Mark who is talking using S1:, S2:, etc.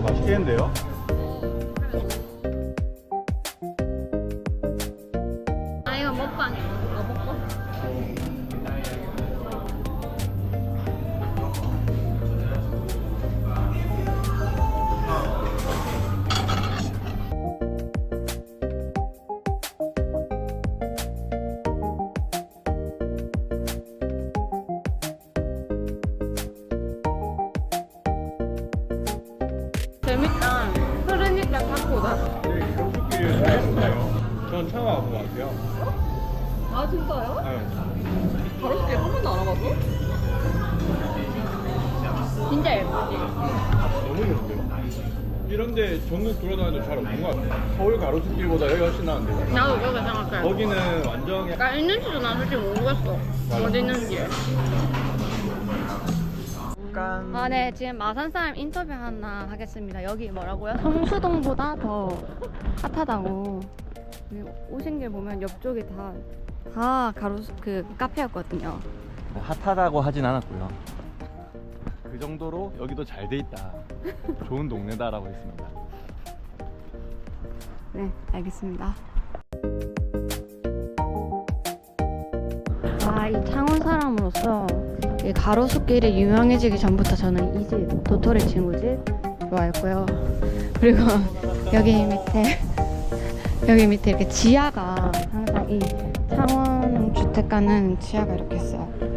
S1: 맛있겠는데요?
S2: 아 이거 먹방이야. 이거 먹고. 재밌다. 흐르니까 탁구다.
S1: 네, 가로수길 잘했어요. 전 처음 와본 것 같아요.
S2: 아 진짜요?
S1: 네.
S2: 가로수길 한 번도 안 와봤어? 진짜 예쁘지?
S1: 너무 좋은데요? 이런데 전국 돌아다녀도 잘 없는 것 같아요. 서울 가로수길보다 여기 훨씬 나은데.
S2: 나도 그렇게 생각해.
S1: 거기는 완전
S2: 그러니까 있는지도 난 솔직히 모르겠어. 어디 있는지.
S1: 약간
S2: 아, 네. 지금 마산 사람 인터뷰 하나 하겠습니다. 여기 뭐라고요? 성수동보다 더 핫하다고. 오신 길 보면 옆쪽이 다 가로수 그 카페였거든요.
S1: 핫하다고 하진 않았고요. 그 정도로 여기도 잘 돼 있다. 좋은 동네다라고 했습니다.
S2: 네, 알겠습니다. 아, 이 창원 사람으로서 이 가로수길이 유명해지기 전부터 저는 이 집, 도토리 친구 집 좋아했고요. 그리고 여기 밑에 이렇게 지하가 항상 이 창원 주택가는 지하가 이렇게 있어요.